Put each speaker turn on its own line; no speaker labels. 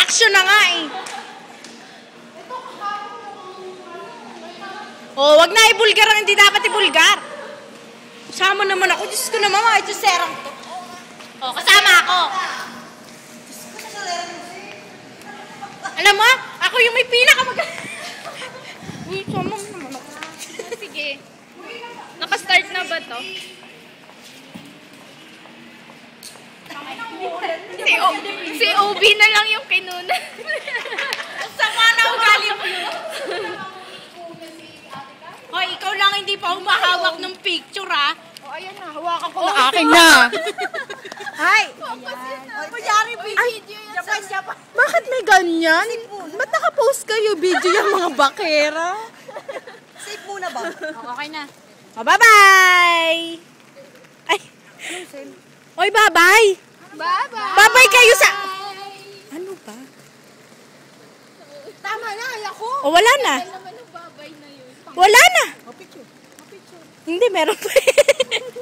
Action na nga eh. Oh, wag na ibulgar ang hindi dapat ibulgar. Kasama naman ako. Diyos ko naman, mga ituserang to. Oh, kasama ako. Alam mo, ako yung may pinakamag... Uy, sama naman ako.
Sige. Naka-start na ba to? Si OB na lang yung kinuna.
Sama na ugali mo yun. Hoy, ikaw lang hindi pa humahawak ng picture, ha?
O, ayan na. Hawakan ko
Oh,
na.
akin na.
Ay!
Kunyari, video yan sa...
Bakit may ganyan? Ba't nakapost kayo video yung mga bakera?
Safe muna ba? Okay na. Oh, bye-bye! Ay! Oy, bye-bye!
Bye-bye!
Bye-bye kayo sa... Ano ba?
Tama na, ayoko.
O, wala na.
Naman ang babay na yun.
Wala na. Hindi, meron pa.